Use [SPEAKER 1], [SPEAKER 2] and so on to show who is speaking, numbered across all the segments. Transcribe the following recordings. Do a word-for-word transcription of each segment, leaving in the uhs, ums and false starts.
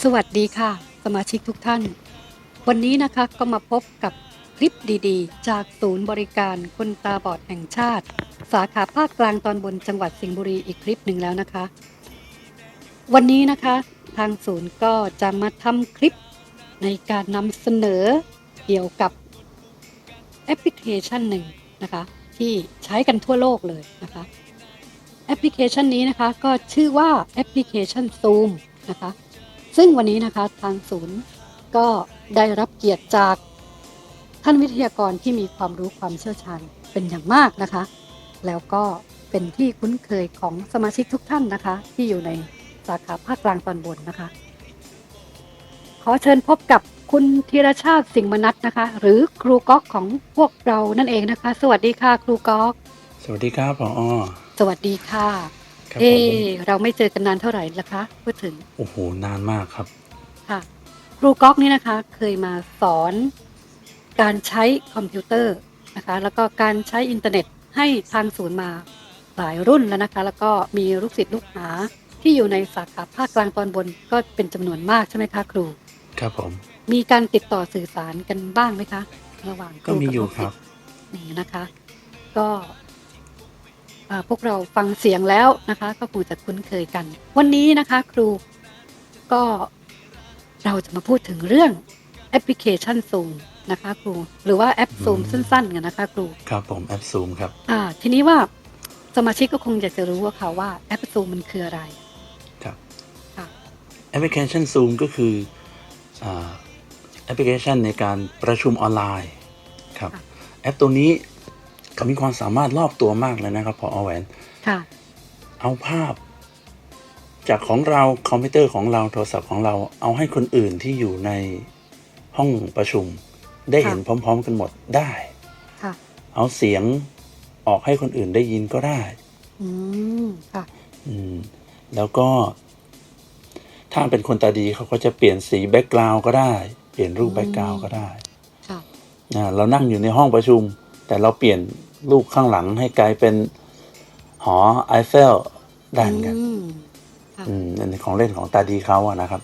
[SPEAKER 1] สวัสดีค่ะสมาชิกทุกท่านวันนี้นะคะก็มาพบกับคลิปดีๆจากศูนย์บริการคนตาบอดแห่งชาติสาขาภาคกลางตอนบนจังหวัดสิงห์บุรีอีกคลิปหนึ่งแล้วนะคะวันนี้นะคะทางศูนย์ก็จะมาทำคลิปในการนำเสนอเกี่ยวกับแอปพลิเคชันหนึ่งนะคะที่ใช้กันทั่วโลกเลยนะคะแอปพลิเคชันนี้นะคะก็ชื่อว่าแอปพลิเคชัน Zoom นะคะซึ่งวันนี้นะคะทางศูนย์ก็ได้รับเกียรติจากท่านวิทยากรที่มีความรู้ความเชี่ยวชาญเป็นอย่างมากนะคะแล้วก็เป็นที่คุ้นเคยของสมาชิกทุกท่านนะคะที่อยู่ในสาขาภาคกลางตอนบนนะคะขอเชิญพบกับคุณธีรชาติสิงห์มนัสนะคะหรือครูก๊อกของพวกเรานั่นเองนะคะสวัสดีค่ะครูก๊อก
[SPEAKER 2] สวัสดีครับผอ.
[SPEAKER 1] สวัสดีค่ะ
[SPEAKER 2] ครับ
[SPEAKER 1] เอ๊
[SPEAKER 2] ผม
[SPEAKER 1] เราไม่เจอกันนานเท่าไหร่ละคะพูดถึง
[SPEAKER 2] โอ้โหนานมากครับ
[SPEAKER 1] ค่ะครูก๊อกนี่นะคะเคยมาสอนการใช้คอมพิวเตอร์นะคะแล้วก็การใช้อินเทอร์เน็ตให้ทางศูนย์มาหลายรุ่นแล้วนะคะแล้วก็มีลูกศิษย์ลูกหาที่อยู่ในสาขาภาคกลางตอนบนก็เป็นจำนวนมากใช่ไหมคะครู
[SPEAKER 2] ครับผม
[SPEAKER 1] มีการติดต่อสื่อสารกันบ้างไหมคะระหว่างค
[SPEAKER 2] ก็
[SPEAKER 1] รู
[SPEAKER 2] มี
[SPEAKER 1] กับ
[SPEAKER 2] อยู่
[SPEAKER 1] ลูก
[SPEAKER 2] ค
[SPEAKER 1] ศิ
[SPEAKER 2] รั
[SPEAKER 1] ษ
[SPEAKER 2] บ
[SPEAKER 1] ย์นี่นะคะก็อ่าพวกเราฟังเสียงแล้วนะคะก็คงจะคุ้นเคยกันวันนี้นะคะครูก็เราจะมาพูดถึงเรื่องแอปพลิเคชัน Zoom นะคะครูหรือว่าแอป Zoom
[SPEAKER 2] อืม
[SPEAKER 1] สั้นๆกันนะคะครู
[SPEAKER 2] ครับผมแอปซูมครับ
[SPEAKER 1] อ่าทีนี้ว่าสมาชิกก็คงอยากจะรู้ว่าค่ะว่าแอป Zoom มันคืออะไร
[SPEAKER 2] ครับ
[SPEAKER 1] ค่ะ
[SPEAKER 2] แอปพลิเคชันซูมก็คืออ่าแอปพลิเคชันในการประชุมออนไลน์ครับ
[SPEAKER 1] ค่ะ
[SPEAKER 2] แอปตัวนี้เขามีความสามารถรอบตัวมากเลยนะครับพอแหวน
[SPEAKER 1] ค่ะ
[SPEAKER 2] เอาภาพจากของเราคอมพิวเตอร์ของเราโทรศัพท์ของเราเอาให้คนอื่นที่อยู่ในห้องประชุมได้เห็นพร้อมๆกันหมดได้
[SPEAKER 1] ค่ะ
[SPEAKER 2] เอาเสียงออกให้คนอื่นได้ยินก็ได้
[SPEAKER 1] อืมค่ะ
[SPEAKER 2] อืมแล้วก็ถ้าเป็นคนตาดีเขาก็จะเปลี่ยนสีแบ็กกราวด์ก็ได้เปลี่ยนรูปแบ็กกราวด์ก็ได้
[SPEAKER 1] ค่ะ
[SPEAKER 2] นะเรานั่งอยู่ในห้องประชุมแต่เราเปลี่ยนรูปข้างหลังให้กลายเป็นหอไอเฟลได้เหมือนกัน
[SPEAKER 1] อืมค่ะ
[SPEAKER 2] อืมอันนี้ของเล่นของตาดีเขาอะนะครับ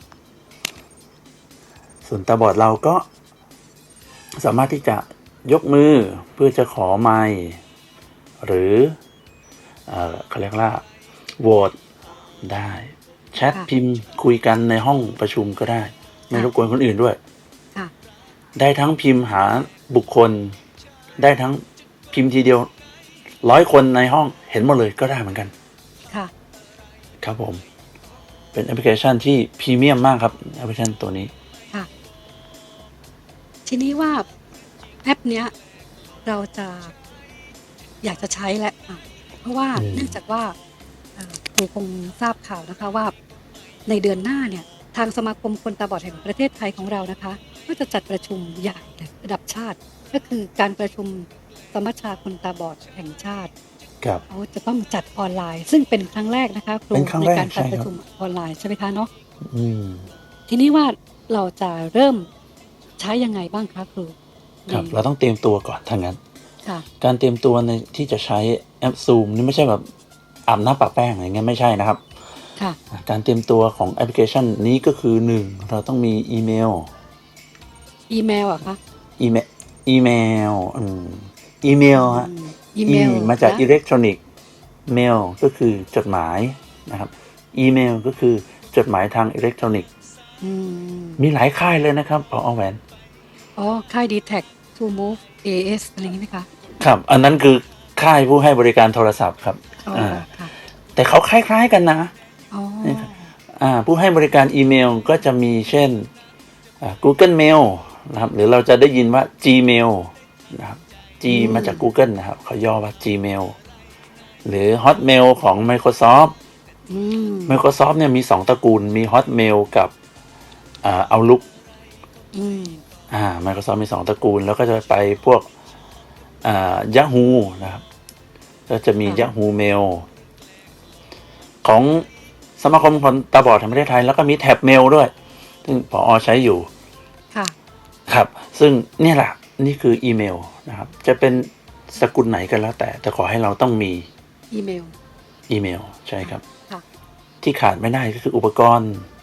[SPEAKER 2] ส่วนตาบอดเราก็สามารถที่จะยกมือเพื่อจะขอไมค์หรือเอ่อเขาเรียกว่าโหวตได้แชท
[SPEAKER 1] ค่ะ
[SPEAKER 2] พิมพ์คุยกันในห้องประชุมก็ได้ไม่รบกวนคนอื่นด้วย
[SPEAKER 1] ค่ะ
[SPEAKER 2] ได้ทั้งพิมพ์หาบุคคลได้ทั้งพิมพ์ทีเดียวร้อยคนในห้องเห็นหมดเลยก็ได้เหมือนกัน
[SPEAKER 1] ค่ะ
[SPEAKER 2] ครับผมเป็นแอปพลิเคชันที่พรีเมียมมากครับแอปพลิเคชันตัวนี้
[SPEAKER 1] ค่ะทีนี้ว่าแอปเนี้ยเราจะอยากจะใช้แหละอ่ะเพราะว่า
[SPEAKER 2] อืม
[SPEAKER 1] เนื่องจากว่าเอ่อครูคงทราบข่าวนะคะว่าในเดือนหน้าเนี่ยทางสมาคมคนตาบอดแห่งประเทศไทยของเรานะคะก็จะจัดประชุมใหญ่เลยระดับชาติ ก็คือการประชุมสมัชชาคนตาบอดแห่งชาติ
[SPEAKER 2] ครับ
[SPEAKER 1] เขาจะต้องจัดออนไลน์ ซึ่งเป็นครั้งแรกนะคะครู
[SPEAKER 2] เป็นครั้ง
[SPEAKER 1] ใน
[SPEAKER 2] แรก
[SPEAKER 1] การจัด
[SPEAKER 2] ใช่
[SPEAKER 1] ประ
[SPEAKER 2] ครับ
[SPEAKER 1] ชุมออนไลน์ใช่ไหมคะเนาะ
[SPEAKER 2] อืม
[SPEAKER 1] ทีนี้ว่าเราจะเริ่มใช้ยังไงบ้างคะครู
[SPEAKER 2] ครับ
[SPEAKER 1] ใน
[SPEAKER 2] เราต้องเตรียมตัวก่อนถ้างั้น
[SPEAKER 1] ค่ะ
[SPEAKER 2] การเตรียมตัวในที่จะใช้แอป Zoom นี่ไม่ใช่แบบอาบน้ำปะแป้งอะไรเงี้ยไม่ใช่นะครับ
[SPEAKER 1] ค่ะ
[SPEAKER 2] การเตรียมตัวของแอปพลิเคชันนี้ก็คือหนึ่งเราต้องมีอีเมล
[SPEAKER 1] อีเมลเหรอะคะ
[SPEAKER 2] อีเมลอีเมลอืมอีเมลฮะ
[SPEAKER 1] อืมอีเมล
[SPEAKER 2] E มาจาก
[SPEAKER 1] นะ
[SPEAKER 2] อิเล็กทรอนิกส์เมลก็คือจดหมายนะครับอีเมลก็คือจดหมายทางอิเล็กทรอนิกส์
[SPEAKER 1] อืม
[SPEAKER 2] มีหลายค่ายเลยนะครับพอแหวน
[SPEAKER 1] อ๋อ ค่าย ดี แท็ก ทู มูฟ เอ เอส อะไรอย่างนี้ไหมคะ
[SPEAKER 2] ครับ อันนั้นคือค่ายผู้ให้บริการโทรศัพท์ครับ
[SPEAKER 1] อ๋อ
[SPEAKER 2] อ่า
[SPEAKER 1] ค่ะ
[SPEAKER 2] แต่เขาคล้ายๆกันนะ
[SPEAKER 1] อ๋อ
[SPEAKER 2] อ่าผู้ให้บริการอีเมลก็จะมีเช่นอ่า Google Mail นะครับหรือเราจะได้ยินว่า Gmail นะครับ G
[SPEAKER 1] อืม
[SPEAKER 2] มาจาก Google นะครับเขาย่อว่า Gmail หรือ Hotmail ของ Microsoft
[SPEAKER 1] อืม
[SPEAKER 2] Microsoft เนี่ยมีสองตระกูลมี Hotmail กับอ่า Outlook
[SPEAKER 1] อืม
[SPEAKER 2] อ่า Microsoft มีสองตระกูลแล้วก็จะไปพวกอ่า Yahoo นะครับก็จะมี
[SPEAKER 1] ค่ะ
[SPEAKER 2] Yahoo Mail ของสมาคมคนตาบอดแห่งประเทศไทยแล้วก็มีแท็บเมลด้วยซึ่งผอใช้อยู่
[SPEAKER 1] ค่ะ
[SPEAKER 2] ครับซึ่งเนี่ยแหละนี่คืออีเมลนะครับจะเป็นสกุลไหนกันแล้วแต่แต่ขอให้เราต้องมี
[SPEAKER 1] อีเมล
[SPEAKER 2] อีเมลใช่ครับ
[SPEAKER 1] ค่ะ
[SPEAKER 2] ที่ขาดไม่ได้ก็คืออุปกรณ์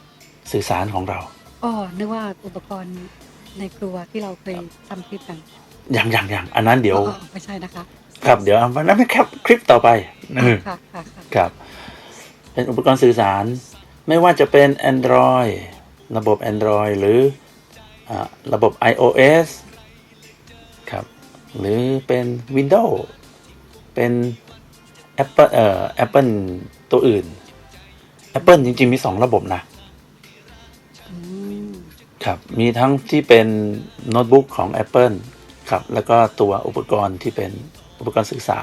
[SPEAKER 2] สื่อสารของเรา
[SPEAKER 1] อ๋อนึกว่าอุปกรณ์ในครัวที่เราเคยทำคลิปกัน
[SPEAKER 2] อย่างอย่างอย่างอันนั้นเดี๋ยว
[SPEAKER 1] อ๋อไม่ใช่นะคะ
[SPEAKER 2] ครับเดี๋ยวอันนั้นเป็นแค่คลิปต่อไปเออ
[SPEAKER 1] ค่ะค่ะค่ะ
[SPEAKER 2] ครับ เป็นอุปกรณ์สื่อสารไม่ว่าจะเป็น Android ระบบ Android หรืออ่าระบบ iOS ครับหรือเป็น Windows เป็น Apple เอ่อ Apple ตัวอื่น Apple จริงๆมีสองระบบนะ
[SPEAKER 1] อืม
[SPEAKER 2] ครับมีทั้งที่เป็นโน้ตบุ๊กของ Apple ครับแล้วก็ตัวอุปกรณ์ที่เป็นอุปกรณ์สื่อสาร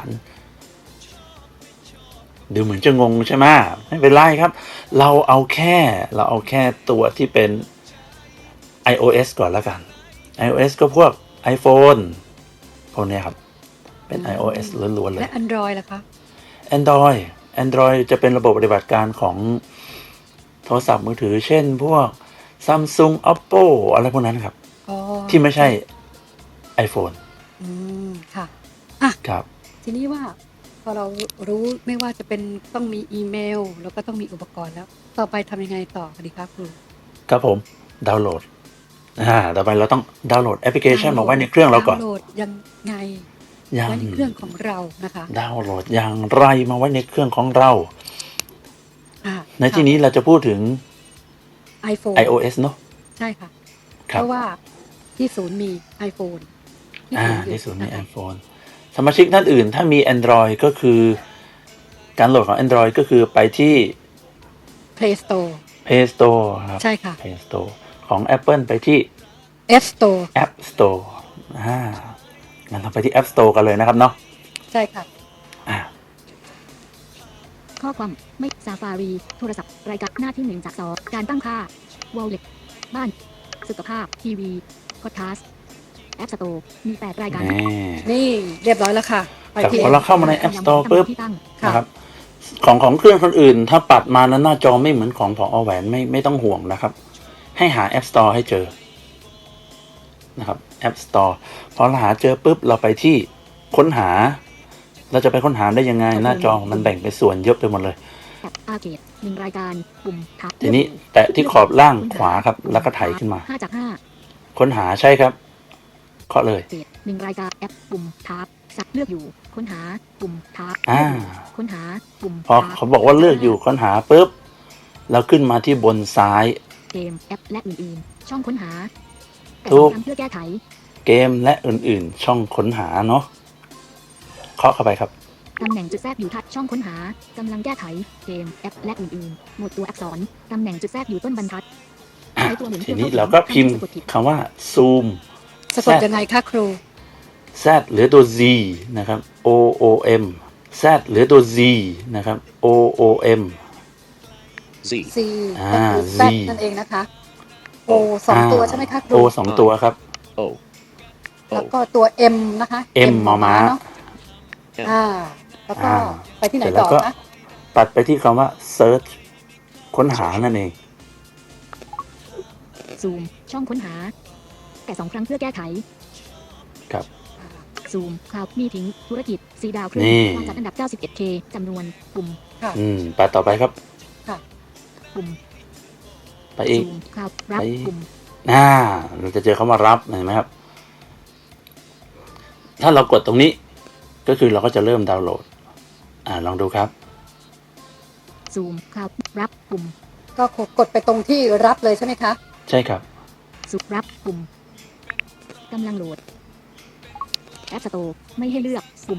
[SPEAKER 2] ดูเหมือนจะงงใช่ไหมไม่เป็นไรครับ เราเอาแค่เราเอาแค่ตัวที่เป็น iOS ก่อนแล้วกัน iOS ก็พวก iPhone พวกเนี้ยครับ เป็น
[SPEAKER 1] อืม
[SPEAKER 2] iOS ล้วนๆเล
[SPEAKER 1] และ
[SPEAKER 2] ย
[SPEAKER 1] Android ล่ะคะ
[SPEAKER 2] Android Android จะเป็นระบบปฏิบัติการของโทรศัพท์มือถือเช่นพวก Samsung Oppo อะไรพวกนั้นครับ
[SPEAKER 1] อ๋อ
[SPEAKER 2] ที่ไม่ใช่ iPhone
[SPEAKER 1] อืมค่ะอ่ะ
[SPEAKER 2] ครับ
[SPEAKER 1] ทีนี้ว่าพอเรารู้ไม่ว่าจะเป็นต้องมีอีเมล แล้วก็ต้องมีอุปกรณ์แล้ว ต่อไปทำยังไงต่อดีครับครู
[SPEAKER 2] ครับผมดาวน์โหลดอ่าต่อไปเราต้องดาวน์โหลดแอปพลิเคชันมาไว้ในเครื่องเราก่อน
[SPEAKER 1] ดาวน์โหลดยังไง
[SPEAKER 2] ยัง
[SPEAKER 1] ไว้ในเครื่องของเรานะคะ
[SPEAKER 2] ดาวน์โหลดอย่างไรมาไว้ในเครื่องของเรา
[SPEAKER 1] อ่า
[SPEAKER 2] ในที่นี้เราจะพูดถึง
[SPEAKER 1] iPhone
[SPEAKER 2] iOS เนอะ
[SPEAKER 1] ใช่ค่ะ
[SPEAKER 2] ครั
[SPEAKER 1] เพ
[SPEAKER 2] บ
[SPEAKER 1] ราะว่าที่ศูนย์มี iPhone
[SPEAKER 2] อ่า
[SPEAKER 1] อยู่
[SPEAKER 2] ที่ศูนย์มี
[SPEAKER 1] ะคะ
[SPEAKER 2] iPhone สมาชิกท่านอื่นถ้ามี Android ก็คือการโหลดของ Android ก็คือไปที่
[SPEAKER 1] Play Store
[SPEAKER 2] Play Store ครับ
[SPEAKER 1] ใช่ค่ะ
[SPEAKER 2] Play Store ของ Apple ไปที่
[SPEAKER 1] App Store
[SPEAKER 2] App Store อ่างั้นเราไปที่ App Store กันเลยนะครับเนาะ
[SPEAKER 1] ใช่ค่ะ
[SPEAKER 2] อ่า
[SPEAKER 3] ข้อความไม่ซาฟารีโทรศัพท์รายการหน้าที่หนึ่งจากสองการตั้งค่า Wallet บ้านสุขภาพทีวีพอดแคสต์แอปสโตร์มีแปดรายการ
[SPEAKER 2] นี่
[SPEAKER 1] นี่เรียบร้อยแล้วค่ะ ไป
[SPEAKER 2] ครับ
[SPEAKER 1] ที่
[SPEAKER 2] พอเราเข้ามาใน App Store ปุ๊บ
[SPEAKER 3] ที่ตั้ง
[SPEAKER 1] ค่ะ
[SPEAKER 2] นะครับของของเครื่องคนอื่น ถ้าปัดมานั้นหน้าจอไม่เหมือนของพอแหวนไม่ไม่ต้องห่วงนะครับ ให้หา App Store ให้เจอนะครับ App Store พอเราหาเจอปุ๊บเราไปที่ค้นหา เราจะไปค้นหาได้ยังไง หน้าจอมันแบ่งเป็นส่วนเยอะไปหมดเลย
[SPEAKER 3] แอปอาร์เคดหนึ่งรายการปุ่มทับ
[SPEAKER 2] ทีนี้แตะที่ขอบล่างขวาครับ แล้วก็ไถขึ้นมา
[SPEAKER 3] ห้าจากห้า
[SPEAKER 2] ค้นหาใช่ครับเคาะเลย
[SPEAKER 3] เจ็ดหนึ่งรายการแอปปุ่มทับสักเลือกอยู่ค้นหาปุ่มทับ
[SPEAKER 2] อ่า
[SPEAKER 3] ค้นหาปุ่ม
[SPEAKER 2] พอเขาบอกว่าเลือกอยู่ค้นหาปุ๊บเราขึ้นมาที่บนซ้าย
[SPEAKER 3] เกมแอปและอื่นๆช่องค้นหาแต่
[SPEAKER 2] ถูก
[SPEAKER 3] สำคัญเพื่อแก้ไข
[SPEAKER 2] เกมและอื่นๆ ช่องค้นหาเนาะเคาะเข้าไปครับ
[SPEAKER 3] ตำแหน่งจุดแทรกอยู่ทัดช่องค้นหากำลังแก้ไขเกมแอปและอื่นๆหมวดตัวอักษรตำแหน่งจุดแทรกอยู่ต้นบรรทัด
[SPEAKER 2] อ่ะ
[SPEAKER 3] ใช้ตัวหมุน
[SPEAKER 2] ทีนี้
[SPEAKER 3] พื่อ
[SPEAKER 2] เรา
[SPEAKER 3] ข้
[SPEAKER 2] ก็พิมพ์
[SPEAKER 3] สะกดผิด
[SPEAKER 2] คำว่า zoom
[SPEAKER 1] สะกดยังไงคะครู
[SPEAKER 2] z หรือตัว z นะครับ o o m z หรือตัว z นะครับ o o m
[SPEAKER 4] Z.
[SPEAKER 1] C
[SPEAKER 2] อ่า
[SPEAKER 1] ก็คือ
[SPEAKER 2] Z
[SPEAKER 1] Z นั่นเองนะคะ O สองตัวใช่ไหมคะครู
[SPEAKER 2] โอสองตัวครับ
[SPEAKER 4] O.
[SPEAKER 1] แล้ว
[SPEAKER 4] O.
[SPEAKER 1] ก็ตัว M นะคะ
[SPEAKER 2] M มอม้า
[SPEAKER 1] เนาะอ่า แล้วก็
[SPEAKER 2] อ่า
[SPEAKER 1] ไปที่ไหน
[SPEAKER 2] เสร็จแล้
[SPEAKER 1] ต่
[SPEAKER 2] ว
[SPEAKER 1] อ
[SPEAKER 2] ก็
[SPEAKER 1] คะ
[SPEAKER 2] ตัดไปที่คำว่า search ค้นหานั่นเอง
[SPEAKER 3] ซูมช่องค้นหา แต่สองครั้งเพื่อแก้ไข
[SPEAKER 2] ครับ
[SPEAKER 3] ซูมคลาวด์มีทิ้งธุรกิจสีดาวครึ่ง
[SPEAKER 2] นี่
[SPEAKER 3] วางจัดอันดับ เก้าสิบเอ็ดเค จำนวนปุ่ม
[SPEAKER 1] ค่ะ
[SPEAKER 2] อืมไปต่อไปครับ
[SPEAKER 1] ค่ะ
[SPEAKER 3] ปุ่ม
[SPEAKER 2] ไปอีก
[SPEAKER 3] ซูมคลาวด์รับ
[SPEAKER 2] ไป
[SPEAKER 3] ปุ่ม
[SPEAKER 2] อ่าเราจะเจอคำว่ารับเห็นไหมครับ ถ้าเรากดตรงนี้ ก็คือเราก็จะเริ่มดาวน์โหลด อ่าลองดูครับ
[SPEAKER 3] ซูมคลาวด์รับปุ่ม
[SPEAKER 1] ก็กดไปตรงที่รับเลยใช่ไหมคะ
[SPEAKER 2] ใช่ครับ
[SPEAKER 3] สุรับปุ่มกำลังโหลดแอปสโตร์ไม่ให้เลือกปุ่ม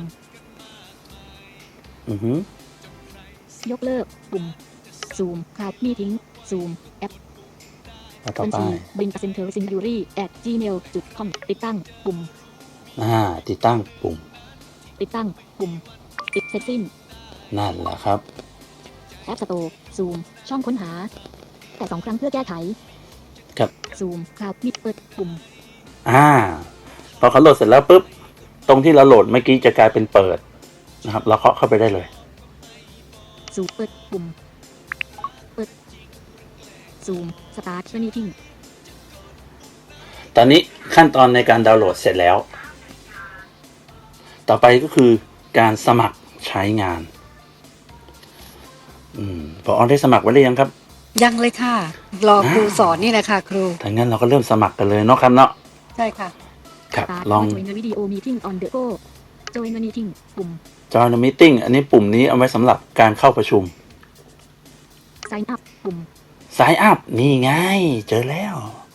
[SPEAKER 2] อือฮึ
[SPEAKER 3] ยกเลิกปุ่มซูมคลาวด์มีทิ้งซูมแอป
[SPEAKER 2] แล้วต่อ
[SPEAKER 3] บัญ
[SPEAKER 2] ไป
[SPEAKER 3] ชีบินเซ็นเตอร์ซินยูรี่ at gmail จุด com ติดตั้งปุ่ม
[SPEAKER 2] อ่าติดตั้งปุ่ม
[SPEAKER 3] ติดตั้งปุ่มติดเสร็จสิ้น
[SPEAKER 2] นั่นแหละครับ
[SPEAKER 3] แอปสโตร์ซูมช่องค้นหา แต่สองครั้งเพื่อแก้ไข
[SPEAKER 2] ครับ
[SPEAKER 3] ซูมคลาวด์มิดเปิดปุ่ม
[SPEAKER 2] อ่า พอเขาโหลดเสร็จแล้วปุ๊บ ตรงที่เราโหลดเมื่อกี้จะกลายเป็นเปิดนะครับ เราเคาะเข้าไปได้เลย
[SPEAKER 3] ซูมเปิดปุ่มเปิดซูมสตาร์ทมีทิ้ง
[SPEAKER 2] ตอนนี้ขั้นตอนในการดาวน์โหลดเสร็จแล้ว ต่อไปก็คือการสมัครใช้งาน อืมพออได้สมัครไว้หรือยังครับ
[SPEAKER 1] ยังเลยค่ะ รอครูสอนนี่แหละค่ะครู
[SPEAKER 2] ถ้างั้นเราก็เริ่มสมัครกันเลยเนาะครับเนาะ
[SPEAKER 1] ใช่ค่ะ
[SPEAKER 2] ครับ
[SPEAKER 3] Start
[SPEAKER 2] ลอง
[SPEAKER 3] Join a video meeting on the go Join a meeting ปุ่ม
[SPEAKER 2] Join a meeting อันนี้ปุ่มนี้เอาไว้สำหรับการเข้าประชุม
[SPEAKER 3] Sign up ปุ่ม
[SPEAKER 2] Sign up นี่ไง เจอแล้ว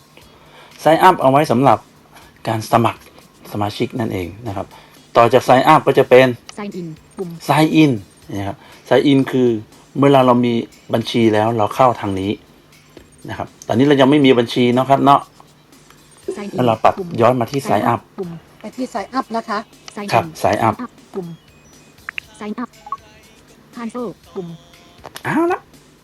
[SPEAKER 2] Sign up เอาไว้สำหรับการสมัครสมาชิกนั่นเองนะครับ ต่อจาก Sign up ก็จะเป็น
[SPEAKER 3] Sign in ปุ่ม
[SPEAKER 2] Sign in นะครับ Sign in คือเมื่อเราเรามีบัญชีแล้วเราเข้าทางนี้นะครับ ตอนนี้เรายังไม่มีบัญชีเนาะครับเนาะ
[SPEAKER 3] Sign in
[SPEAKER 2] แล้วเราปรับ
[SPEAKER 3] ปุ่ม
[SPEAKER 2] ย้อนมาที่ Sign up
[SPEAKER 3] ปุ่ม
[SPEAKER 1] ไปที่ sign up นะคะ
[SPEAKER 3] Sign
[SPEAKER 2] ครับ
[SPEAKER 3] in
[SPEAKER 2] Sign up
[SPEAKER 3] ปุ่ม Sign up Cancel ปุ่ม
[SPEAKER 2] เอาละ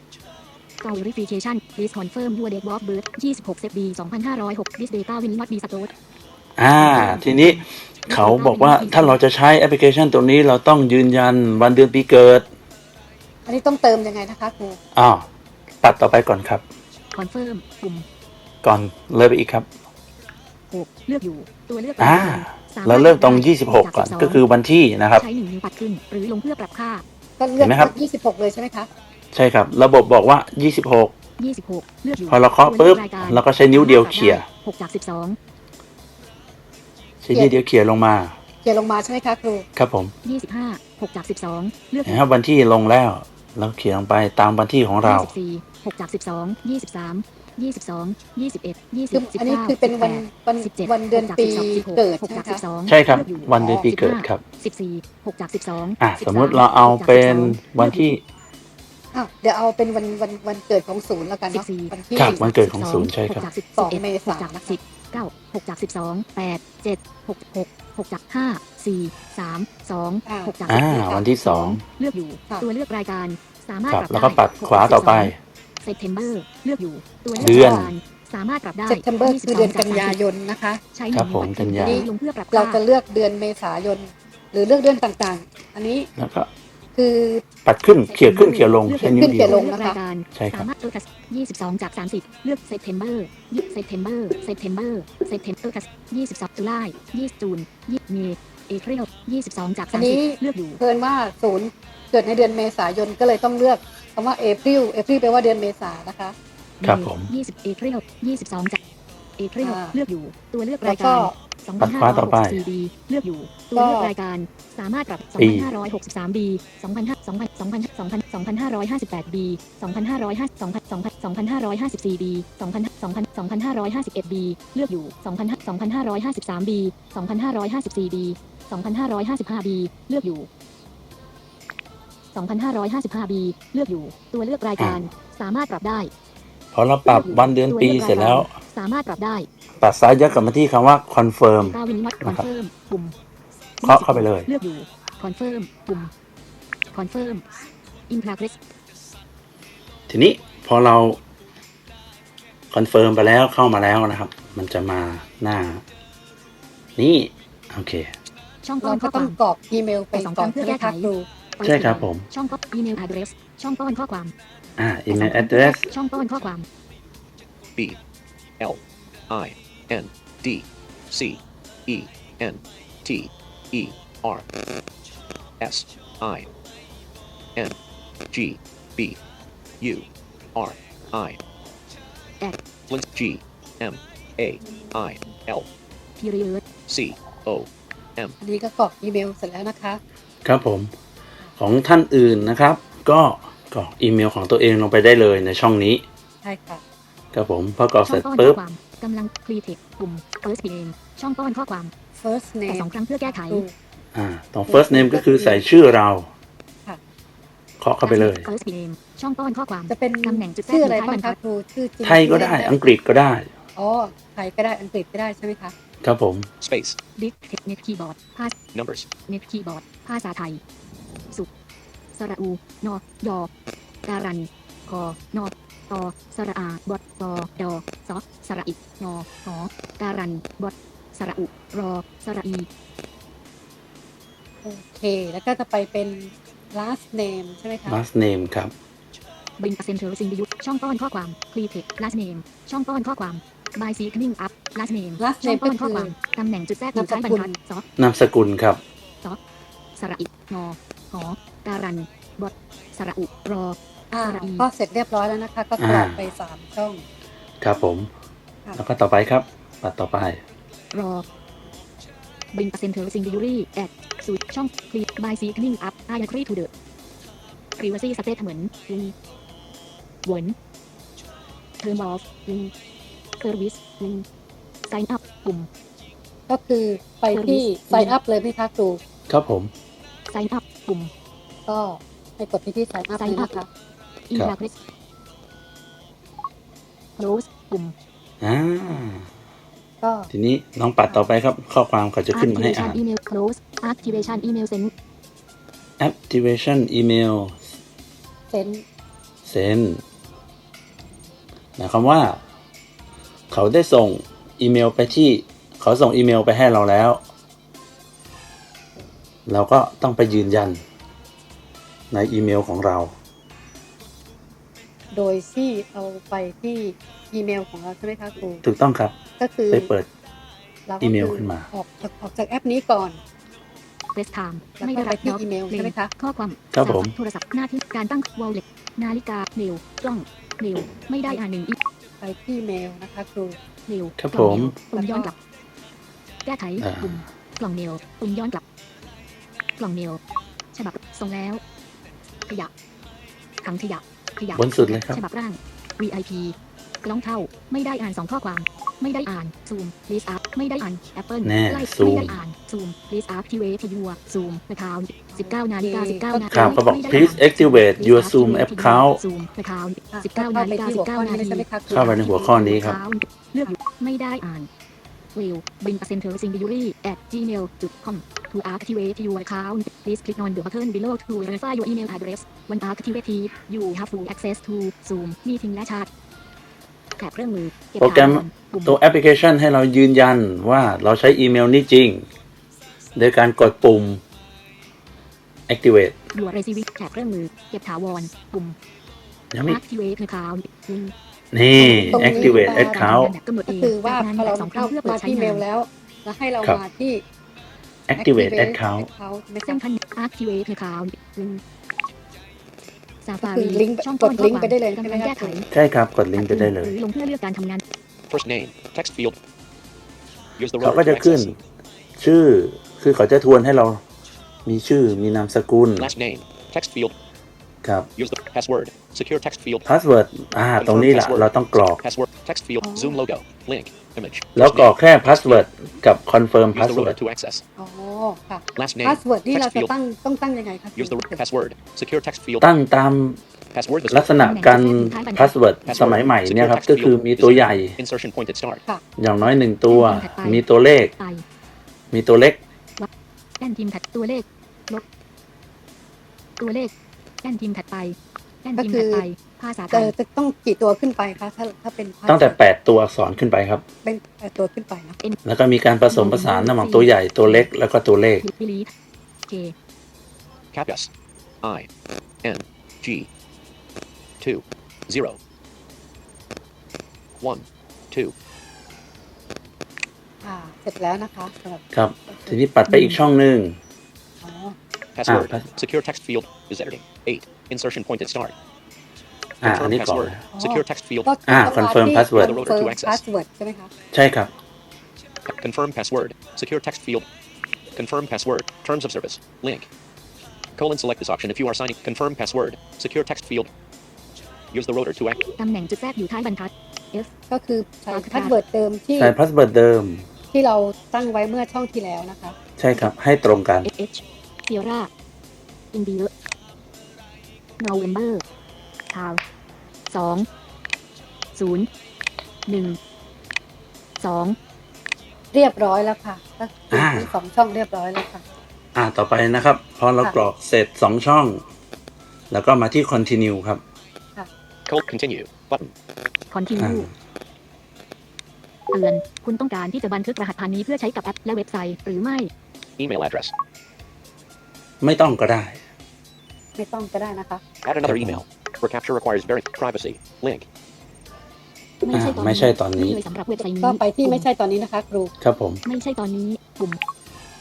[SPEAKER 3] Verification Please confirm your date of birth ยี่สิบหก เซปเทมเบอร์ สองพันห้าร้อยหก This data will not be stored
[SPEAKER 2] อ่า ทีนี้เขาบอกว่าถ้าเราจะใช้แอปพลิเคชันตัวนี้เราต้องยืนยันวันเดือนปีเกิด
[SPEAKER 1] อันนี้ต้องเติมยังไงนะคะครู
[SPEAKER 2] อ้าวตัดต่อไปก่อนครับ
[SPEAKER 3] Confirm ปุ่ม
[SPEAKER 2] ก่อนเลยไปอีกครับ
[SPEAKER 3] หกเลือกอยู่ตัวเลือก
[SPEAKER 2] อ่า
[SPEAKER 3] ส
[SPEAKER 2] เราเริ่มตรงยี่สิบหกก่อน ก็คือวันที่นะครับ
[SPEAKER 3] ใช้หนึ่งนิ้วปัดขึ้นหรือลงเพื่อปรับค่า
[SPEAKER 1] ก็เลือก
[SPEAKER 2] เห็นไหมครับ
[SPEAKER 1] ยี่สิบหกเลยใช่ไหมคะ
[SPEAKER 2] ใช่ครับ ระบบบอกว่า ยี่สิบหก
[SPEAKER 3] ยี่สิบหกเลือกอยู่
[SPEAKER 2] พอเราเคาะปุ๊บเราก็ใช้นิ้วเดียวเขี่ย
[SPEAKER 3] หกจากสิบสอง
[SPEAKER 2] ใช้นิ้วเดียวเขี่ยลงมา
[SPEAKER 1] เขียนลงมาใช่ไหมคะครู
[SPEAKER 2] ครับผม
[SPEAKER 3] ยี่สิบห้าหกจากสิบสองเลือกอ
[SPEAKER 2] เห็น
[SPEAKER 3] ยู่
[SPEAKER 2] ครับวันที่ลงแล้วเราเขียนลงไปตามวันที่ของเรา
[SPEAKER 3] ยี่สิบสี่หกจากสิบสองยี่สิบสามยี่สิบสองยี่สิบเอ็ดยี่สิ
[SPEAKER 1] คื
[SPEAKER 3] บ
[SPEAKER 1] ออันนี้คือเป็นวันวัน
[SPEAKER 3] สิบเจ็ด
[SPEAKER 1] วันเดือนปีเกิด
[SPEAKER 3] หก
[SPEAKER 1] ใช่ไหม
[SPEAKER 3] จากสิ
[SPEAKER 1] คะ
[SPEAKER 3] บสอง
[SPEAKER 2] ใช่ครับ
[SPEAKER 3] เลือกอยู่
[SPEAKER 2] วันเดือนปีเกิดครับ
[SPEAKER 3] สิบสี่หกจากสิบสอง
[SPEAKER 2] อ่ะสมมุติเราเอาเป็นวันที่
[SPEAKER 1] อ้าวเดี๋ยวเอาเป็นวันวันวันเกิดของศูนย์แล้วกัน
[SPEAKER 3] สิบ
[SPEAKER 1] เนาะ
[SPEAKER 3] สี่
[SPEAKER 1] วันที่
[SPEAKER 2] ครับวันเกิดของศูนย์ใช่ครับ
[SPEAKER 3] หกจากสิบ
[SPEAKER 1] สอง
[SPEAKER 3] เอ็ด
[SPEAKER 1] เมษายน
[SPEAKER 3] หกจากสิบเก้าหกจากสิบสองแปดเจ็ดหกหกหกจากห้าสี่สามสองหกจาก
[SPEAKER 2] อ่า
[SPEAKER 3] สิบ
[SPEAKER 2] วันที่สอง
[SPEAKER 3] เลือกอยู่ตัวเลือกรายการสามารถ
[SPEAKER 2] ครับ
[SPEAKER 3] ปรับ
[SPEAKER 2] แล้วก็
[SPEAKER 3] ได้
[SPEAKER 2] ปัดขวาต่อไป
[SPEAKER 3] เซปเทมเบอร์เลือกอยู่ตัว
[SPEAKER 2] เดื
[SPEAKER 3] เลื
[SPEAKER 2] อน
[SPEAKER 3] รายการสามารถปรับได้
[SPEAKER 1] เซปเทมเบอร์คือเดือนกันยายนนะคะ
[SPEAKER 3] ใช้
[SPEAKER 2] ครับผม
[SPEAKER 3] หง
[SPEAKER 2] กันยา
[SPEAKER 3] ปัดลงเพื่อปรับ
[SPEAKER 1] เรา
[SPEAKER 3] ค่า
[SPEAKER 1] จะเลือกเดือนเมษายน หรือเลือกเดือนต่างๆ อันนี้
[SPEAKER 2] แล้วก็
[SPEAKER 1] คือ
[SPEAKER 2] ปัดขึ้นเขี่ยขึ้นเขี่ยลงใช้นิ้วเดียว
[SPEAKER 1] ขึ้นเขี่ยลง
[SPEAKER 3] เลือกรายการ
[SPEAKER 2] ใช่ครับ
[SPEAKER 3] สามารถเออคัสยี่สิบสองจากสามสิบเลือกเซปเทมเบอร์ยี่เซปเทมเบอร์เซปเทมเบอร์เซปเทมเออคัสยี่สิบสองตุลายี่สิบจูนยี่เมษเอพริลยี่สิบสองจาก
[SPEAKER 1] อั
[SPEAKER 3] สาน ม
[SPEAKER 1] นี้
[SPEAKER 3] สิบเลือกอยู่
[SPEAKER 1] เพิ่นว่าศูนย์เกิดในเดือนเมษายนก็เลยต้องเลือกคำว่าเอพริลเอพริลแปลว่าเดือนเมษานะคะ
[SPEAKER 2] ครับผม
[SPEAKER 3] ยี่สิบเอพริลยี่สิบสองจากเอพริล
[SPEAKER 1] อ่า
[SPEAKER 3] เลือกอยู่ตัวเลือก
[SPEAKER 1] แล้
[SPEAKER 3] รายว
[SPEAKER 1] ก็
[SPEAKER 3] การสอง
[SPEAKER 2] ปั
[SPEAKER 3] พัน
[SPEAKER 2] ด
[SPEAKER 3] ห้า
[SPEAKER 2] ขวา
[SPEAKER 3] ร้
[SPEAKER 2] ต่
[SPEAKER 3] อ
[SPEAKER 2] อย ไป
[SPEAKER 3] หกสิบสี่บีเลือกอยู่ตัวเลือกรายการสามารถปรับ
[SPEAKER 2] ปี
[SPEAKER 3] สองพันห้าร้อยหกสิบสามบีสองพันห้าสองพันสองพันสองพันสองพันห้าร้อยห้าสิบแปดบีสองพันห้าร้อยห้าสองพันสองพันสองพันห้าร้อยห้าสิบสี่บีสองพันสองพันสองพันห้าร้อยห้าสิบเอ็ดบีเลือกอยู่สองพันสองพันห้าร้อยห้าสิบสามบีสองพันห้าร้อยห้าสิบสี่บีสองพันห้าร้อยห้าสิบห้าบีเลือกอยู่สองพันห้าร้อยห้าสิบห้าบีเลือกอยู่ตัวเลือกรายการสามารถปรับได้
[SPEAKER 2] พอเราปรับวันเดือนปีเสร็จแล้ว
[SPEAKER 3] สามารถปรับได้
[SPEAKER 2] ปัดซ้ายยัดกลับมาที่คำว่า confirm
[SPEAKER 3] กาวินวัดคอนเฟิร์มปุ่ม
[SPEAKER 2] เคาะเข้าไปเลย
[SPEAKER 3] เลือกอยู่คอนเฟิร์มปุ่มคอนเฟิร์มอินพาเกรส
[SPEAKER 2] ทีนี้พอเราคอนเฟิร์มไปแล้วเข้ามาแล้วนะครับ มันจะมาหน้า นี่ โอเค
[SPEAKER 3] ช่องป้อ
[SPEAKER 1] เรา
[SPEAKER 3] น
[SPEAKER 1] ก็
[SPEAKER 3] ข้อค
[SPEAKER 1] ต้อง
[SPEAKER 3] วาม
[SPEAKER 1] กรอกอีเมลไปก่อนใช่ไหมคะครู
[SPEAKER 2] ใช่ครับผม
[SPEAKER 3] ช่องป้อนอีเมล address ช่องป้อนข้อความ
[SPEAKER 2] อ่า email address
[SPEAKER 3] ช่องป้อนข้อความ
[SPEAKER 4] B L I N D C E N T E R S I N G B U R I
[SPEAKER 3] at
[SPEAKER 4] Link G M A I L
[SPEAKER 3] period
[SPEAKER 4] C O M
[SPEAKER 1] อันนี้ก็กรอกอีเมลเสร็จแล้วนะคะ
[SPEAKER 2] ครับผม ของท่านอื่นนะครับ ก็กรอกอีเมลของตัวเองลงไปได้เลยในช่องนี้
[SPEAKER 1] ใช่ค่ะ
[SPEAKER 2] ครับผมพอกรอก
[SPEAKER 3] ช่
[SPEAKER 2] เส
[SPEAKER 3] อ
[SPEAKER 2] ร็
[SPEAKER 3] ง
[SPEAKER 2] จ
[SPEAKER 3] ป้อนข้
[SPEAKER 2] ปุ๊
[SPEAKER 3] อบ ความกำลัง clear text ปุ่ม first name ช่องป้อนข้อความ
[SPEAKER 1] first
[SPEAKER 3] แต่
[SPEAKER 1] name
[SPEAKER 3] สองครั้งเพื่อแก้ไข
[SPEAKER 1] ครู
[SPEAKER 2] อ่าตรง first name ก็คือใส่ชื่อเรา
[SPEAKER 1] ค่ะ
[SPEAKER 2] เคาะเข้าไปเลย
[SPEAKER 3] first name ช่องป้อนข้อความ
[SPEAKER 1] จะเป็น
[SPEAKER 3] ตำแหน่งจุดแทรก
[SPEAKER 1] ชื่ออะไร
[SPEAKER 3] ยู่ท้ย
[SPEAKER 1] บ้าง
[SPEAKER 3] บรรทั
[SPEAKER 1] คะ
[SPEAKER 3] ด
[SPEAKER 1] ครูชื่อจริง
[SPEAKER 2] ไทยก็ได้อังกฤษก็ได้
[SPEAKER 1] อ๋อไทยก็ได้อังกฤษก็ได้ใช่ไหมคะ
[SPEAKER 2] ครับผม
[SPEAKER 4] space
[SPEAKER 3] ดิสเน็ตคีย์บอร์ดภาษ
[SPEAKER 4] numbers
[SPEAKER 3] เน็ตคีย์บอร์ดภาษาไทย สุสระอูนอยอการันคอนอตอสระอาบดปอดอซอสระอินอหอการันบดสระอุรอสระอี
[SPEAKER 1] โอเค แล้วก็จะไปเป็น last name ใช่ไหมคะ
[SPEAKER 2] last name ครับ
[SPEAKER 3] บินเซนเทอร์ซิงดิยุช่องป้อนข้อความคลีเทค last name ช่องป้อนข้อความ by seeking up last name
[SPEAKER 1] last
[SPEAKER 3] ช่อง
[SPEAKER 1] name
[SPEAKER 3] ป้อน
[SPEAKER 1] ก็คือ
[SPEAKER 3] ข้อความตำแหน่งจุดแทรกอยู่ท้ายบรรทัดซอน
[SPEAKER 2] ามสกุลครับ
[SPEAKER 3] สระอินอหอการันบดสระอุรอ
[SPEAKER 1] อ่า
[SPEAKER 3] สระอี
[SPEAKER 1] ก็เสร็จเรียบร้อยแล้วนะคะ ก็กรอกไปสามช่อง
[SPEAKER 2] ครับผม
[SPEAKER 1] ค่ะ
[SPEAKER 2] แล้วก็ต่อไปครับปัดต่อไป
[SPEAKER 3] รอ bring a center singularly at สูตรช่อง click by signing up I agree to the privacy statement ลิงหวน term of ลิง service ลิง sign up ปุ่ม
[SPEAKER 1] ก็คือไปที่ sign up เลยไหมคะครู
[SPEAKER 2] ครับผม
[SPEAKER 3] sign up ปุ่ม
[SPEAKER 1] ก็ให้กดที่ที่ sign up เลยนะคะ
[SPEAKER 3] email address close ปุ่ม
[SPEAKER 2] อ่า
[SPEAKER 1] ก็
[SPEAKER 2] ทีนี้น้องปัดต่อไปครับ ข้อความเขาจะขึ้นมาให้อ่าน
[SPEAKER 3] activation email close activation email send
[SPEAKER 2] activation email
[SPEAKER 1] เซ็น
[SPEAKER 2] send หมายความว่า เขาได้ส่งอีเมลไปที่ เขาส่งอีเมลไปให้เราแล้ว เราก็ต้องไปยืนยันในอีเมลของเรา
[SPEAKER 1] โดยที่เอาไปที่อีเมลของเราใช่ไหมคะครู
[SPEAKER 2] ถูกต้องครับ
[SPEAKER 1] ก็คือ
[SPEAKER 2] ไปเปิด
[SPEAKER 1] เราก็
[SPEAKER 2] อีเมล
[SPEAKER 1] คื
[SPEAKER 2] ขึ้นมา
[SPEAKER 1] ออกจากออกจากแอปนี้ก่อน
[SPEAKER 3] FaceTime
[SPEAKER 1] แล้ว
[SPEAKER 3] ไม่
[SPEAKER 1] ก็
[SPEAKER 3] ได้
[SPEAKER 1] ไป
[SPEAKER 3] รับ
[SPEAKER 1] ที่
[SPEAKER 3] ด็อก
[SPEAKER 1] อีเมลใช่ไหมคะ
[SPEAKER 3] ข้อความ
[SPEAKER 2] ครับผม
[SPEAKER 3] โทรศัพท์หน้าที่การตั้ง wallet นาฬิกาเมลกล้องเมลไม่ได้อ่านหนึ่งอี
[SPEAKER 1] ไปที่เมลนะคะครู
[SPEAKER 3] เมล
[SPEAKER 2] ครับ
[SPEAKER 3] กล่อง
[SPEAKER 2] ผม
[SPEAKER 3] เมลปุ่มย้อนกลับ แก้ไข
[SPEAKER 2] อ่า
[SPEAKER 3] ปุ่มกล่องเมลปุ่มย้อนกลับ กล่องเมลฉบับส่งแล้วขยะถังขยะขยะ
[SPEAKER 2] บนสุดเลยครับ
[SPEAKER 3] ฉบับร่าง วี ไอ พี กล้องเท่าไม่ได้อ่านสองข้อความ ไม่ได้อ่าน zoom list up ไม่ได้อ่าน apple
[SPEAKER 2] แน่
[SPEAKER 3] ไล่
[SPEAKER 2] zoom
[SPEAKER 3] ไม่ได้อ่าน zoom list up ที่เวทียัว zoom account สิบเก้านาฬิกาสิบเก้านา
[SPEAKER 2] ครับ
[SPEAKER 3] ที
[SPEAKER 2] ก็บอก
[SPEAKER 3] ไม่ได้
[SPEAKER 2] please
[SPEAKER 3] อ่าน
[SPEAKER 2] activate your zoom account
[SPEAKER 3] zoom account
[SPEAKER 1] อ่ะ
[SPEAKER 3] สิบเก้า
[SPEAKER 1] เข้า
[SPEAKER 3] นา
[SPEAKER 1] ไป
[SPEAKER 3] ฬิกา
[SPEAKER 1] ที่
[SPEAKER 3] สิ
[SPEAKER 1] หัว
[SPEAKER 3] บเก้า
[SPEAKER 1] ข้อ
[SPEAKER 3] นา
[SPEAKER 1] นี้
[SPEAKER 3] ที
[SPEAKER 1] ใช่ไหมคะครู
[SPEAKER 2] เข้าไปในหัวข้อนี้ครับ
[SPEAKER 3] เลือกอยู่ไม่ได้อ่าน will bring a center singularly at gmail dot com to activate your account please click on the button below to verify your email address when activated you have full access to zoom meeting และ chat แถบเครื่องมือเก็บ
[SPEAKER 2] โปรแกรม
[SPEAKER 3] ถาวรปุ่ม
[SPEAKER 2] ตัวแอปพลิเคชันให้เรายืนยันว่าเราใช้อีเมลนี้จริง โดยการกดปุ่ม activate
[SPEAKER 3] your receive แถบเครื่องมือเก็บถาวรปุ่ม
[SPEAKER 2] ยังไม่
[SPEAKER 3] activate account ลิงก์
[SPEAKER 2] นี่
[SPEAKER 1] ตรงนี้
[SPEAKER 2] activate
[SPEAKER 1] อ่า
[SPEAKER 2] account
[SPEAKER 3] กำหนด
[SPEAKER 1] ก็
[SPEAKER 3] เอง
[SPEAKER 1] คือว่า
[SPEAKER 3] จาก
[SPEAKER 1] พอเรา
[SPEAKER 3] สองค
[SPEAKER 1] เข้า
[SPEAKER 3] รั้งเพื่อเปิ
[SPEAKER 1] มา
[SPEAKER 3] ดใช้
[SPEAKER 1] ที่เม
[SPEAKER 3] งา
[SPEAKER 1] ล
[SPEAKER 3] น
[SPEAKER 1] แล้ว แล้วให้เรา
[SPEAKER 2] ครับ
[SPEAKER 1] มาที่
[SPEAKER 2] activate account
[SPEAKER 1] account ไม่
[SPEAKER 3] เส้
[SPEAKER 1] ใช่
[SPEAKER 3] นพัน activate account ลิงก์
[SPEAKER 1] ก็
[SPEAKER 3] Safari
[SPEAKER 1] คือลิงก์
[SPEAKER 3] ช่อง
[SPEAKER 1] กด
[SPEAKER 3] ต้น
[SPEAKER 1] ลิงก์ไปได้เลย
[SPEAKER 3] ข้อ
[SPEAKER 1] ใช่
[SPEAKER 3] ควา
[SPEAKER 1] ไหม
[SPEAKER 3] กำลัง
[SPEAKER 1] คะ
[SPEAKER 3] แก้ไข
[SPEAKER 2] ใช่ครับ กดลิงก์ไปได้เลย
[SPEAKER 3] หรือลงเพื่อเลือกการทำงาน
[SPEAKER 4] First name, text field. Use the
[SPEAKER 2] เขา
[SPEAKER 4] rotor
[SPEAKER 2] ก็
[SPEAKER 4] to
[SPEAKER 2] จะขึ้น
[SPEAKER 4] access.
[SPEAKER 2] ชื่อ คือเขาจะทวนให้เรามีชื่อ มีนามสกุล
[SPEAKER 4] Last name, text field.
[SPEAKER 2] ครับ
[SPEAKER 4] Use the password. Secure text field.
[SPEAKER 2] password อ่า ตรงนี้แหละ เราต้องกรอก
[SPEAKER 4] Password. Text field.
[SPEAKER 1] Oh.
[SPEAKER 4] Zoom logo. Link. Image.
[SPEAKER 2] แล้ว
[SPEAKER 4] First
[SPEAKER 2] กรอก
[SPEAKER 4] name,
[SPEAKER 2] แค่ password กับ confirm
[SPEAKER 4] Use the
[SPEAKER 2] password
[SPEAKER 4] rotor to access.
[SPEAKER 1] อ๋อค่ะ
[SPEAKER 4] Last name.
[SPEAKER 1] พาสเวิร์ดที่เรา
[SPEAKER 4] Text
[SPEAKER 1] จะ
[SPEAKER 4] field.
[SPEAKER 1] ตั้งต้องตั้งยังไงคะ
[SPEAKER 4] Use the password. Secure text field.
[SPEAKER 2] ตั้งตาม
[SPEAKER 4] Password.
[SPEAKER 2] ลักษณะการ password สมัยใหม่เนี่ยครับ ก็คือมีตัวใหญ่
[SPEAKER 4] Insertion pointed start.
[SPEAKER 2] อย่างน้อยหนึ่งตัว มีตัวเลข
[SPEAKER 3] ไป
[SPEAKER 2] มีตัวเล็ก
[SPEAKER 3] แป้นพิมพ์ถัดตัวเลขลบตัวเลขแป้นพิมพ์ถัดไปแป้นพิมพ์ถัดไป ภาษาไท
[SPEAKER 1] จะ
[SPEAKER 3] ย
[SPEAKER 1] จะต้องกี่ตัวขึ้นไปคะถ้าถ้าเป็น
[SPEAKER 2] ตั้งแต่แปดตัวอักษรขึ้นไปครับ
[SPEAKER 1] เป็นแปดตัวขึ้นไปนะ
[SPEAKER 2] แล้วก็มีการผสมผสานระหว่างตัวใหญ่ตัวเล็กแล้วก็ตัวเลข
[SPEAKER 3] บิลีเค
[SPEAKER 4] Capus. I. N. G. Two. Zero. One. Two.
[SPEAKER 1] อ่าเสร็จแล้วนะคะสำหรับ
[SPEAKER 2] ครับ ทีนี้ปัดไปอีกช่องหนึ่ง
[SPEAKER 1] อ๋อ
[SPEAKER 4] Password.
[SPEAKER 2] Ah, pass-
[SPEAKER 4] Secure text field is editing. Eight. Insertion pointed start.
[SPEAKER 2] อ่า อัน
[SPEAKER 4] Confirm
[SPEAKER 2] นี้ก่อน
[SPEAKER 4] password. Secure text field.
[SPEAKER 1] ก็
[SPEAKER 2] อ่า
[SPEAKER 1] ต้องมา
[SPEAKER 2] confirm
[SPEAKER 1] ที่
[SPEAKER 2] password
[SPEAKER 1] confirm password ใช่ไหมคะ
[SPEAKER 2] ใช่ครับ
[SPEAKER 4] Confirm password. Secure text field. Confirm password. Terms of service. Link. Colon select this option if you are signing. Confirm password. Secure text field. Use the rotor to act.
[SPEAKER 3] ตำแหน่งจุดแทรกอยู่ท้ายบรรทัด F
[SPEAKER 1] ก็คือใช้พาสเวิร์ดเดิมที่
[SPEAKER 2] ใส่ password เดิม
[SPEAKER 1] ที่เราตั้งไว้เมื่อช่องที่แล้วนะคะ
[SPEAKER 2] ใช่ครับ ให้ตรงกัน
[SPEAKER 3] S H Sierra India November ทาวสองศูนย์หนึ่งสอง
[SPEAKER 1] เรียบร้อยแล้วค่ะก็คือ
[SPEAKER 2] อ่า
[SPEAKER 1] ทั้งสองช่องเรียบร้อยแล้วค่ะ
[SPEAKER 2] อ่า ต่อไปนะครับ พอเรา
[SPEAKER 1] ค่ะ
[SPEAKER 2] กรอกเสร็จสองช่อง แล้วก็มาที่ continue ครับ
[SPEAKER 4] Code continue. Button.
[SPEAKER 3] Continue เตือนคุณต้องการที่จะบันทึกรหัสผ่านนี้เพื่อใช้กับแอปและเว็บไซต์หรือไม่
[SPEAKER 4] Email address.
[SPEAKER 2] ไม่ต้องก็ได้
[SPEAKER 1] ไม่ต้องก็ได้นะคะ
[SPEAKER 4] Add another email. Recapture requires very privacy. Link.
[SPEAKER 3] ไม่ใช่ตอน
[SPEAKER 2] อ่าไม่ใช่ตอนนี้
[SPEAKER 3] เลยสำหรับเว็บไซต์นี้
[SPEAKER 1] ก็ไปที่ไม่ใช่ตอนนี้นะคะครู
[SPEAKER 2] ครับผม
[SPEAKER 3] ไม่ใช่ตอนนี้ปุ่ม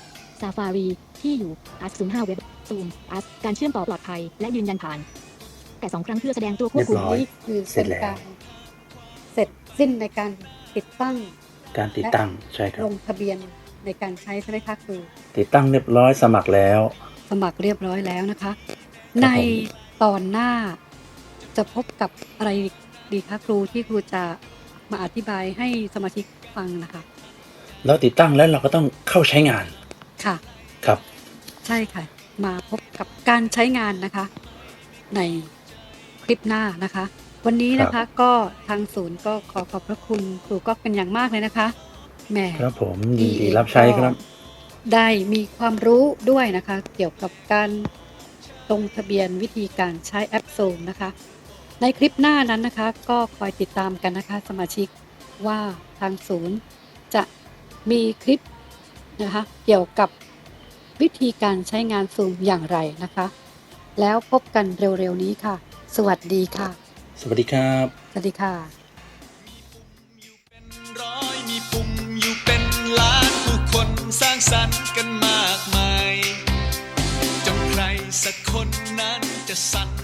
[SPEAKER 3] Safari ที่อยู่ a s ศูนย์ห้า Web Zoom a s การเชื่อมต่อปลอดภัยและยืนยันผ่านแต่สองครั้งเพื่อแสดงตัวควบ
[SPEAKER 2] เรี
[SPEAKER 3] คุ
[SPEAKER 2] ย
[SPEAKER 3] ม
[SPEAKER 2] บร้อย
[SPEAKER 1] นี่คือ
[SPEAKER 2] เสร็
[SPEAKER 1] เป็
[SPEAKER 2] จ
[SPEAKER 1] น
[SPEAKER 2] แล้ว
[SPEAKER 1] การเสร็จสิ้นในการติดตั้ง
[SPEAKER 2] การติดตั้งใช่ครับ
[SPEAKER 1] ลงทะเบียนในการใช้ใช่ไหมคะครู
[SPEAKER 2] ติดตั้งเรียบร้อยสมัครแล้ว
[SPEAKER 1] สมัครเรียบร้อยแล้วนะคะ
[SPEAKER 2] ครับ
[SPEAKER 1] ใน
[SPEAKER 2] ผม
[SPEAKER 1] ตอนหน้าจะพบกับอะไรดีคะครูที่ครูจะมาอธิบายให้สมาชิกฟังนะคะ
[SPEAKER 2] เราติดตั้งแล้วเราก็ต้องเข้าใช้งาน
[SPEAKER 1] ค่ะ
[SPEAKER 2] ครับ
[SPEAKER 1] ใช่ค่ะ มาพบกับการใช้งานนะคะ ในคลิปหน้านะคะ วันนี้นะ
[SPEAKER 2] ครั
[SPEAKER 1] คะ
[SPEAKER 2] บ
[SPEAKER 1] ก็ทางศูนย์ก็ขอขอบพระคุณครูก็เป็นอย่างมากเลยนะคะแหม
[SPEAKER 2] ครับผมยินดีรับใช้ครับ
[SPEAKER 1] ได้มีความรู้ด้วยนะคะ เกี่ยวกับการลงทะเบียนวิธีการใช้แอปโซมนะคะ ในคลิปหน้านั้นนะคะ ก็คอยติดตามกันนะคะ สมาชิกว่าทางศูนย์จะมีคลิปนะคะเกี่ยวกับวิธีการใช้งานซูมอย่างไรนะคะ แล้วพบกันเร็วๆนี้ค่ะ สวัสดีค่ะ
[SPEAKER 2] สวัสดีครับ
[SPEAKER 1] สวัสดีค่ะ
[SPEAKER 5] ร้อยมีปุ่มอยู่เป็นล้านผู้คนสร้างสรรค์กันมากมายจนใครสักคนนั้นจะสั่น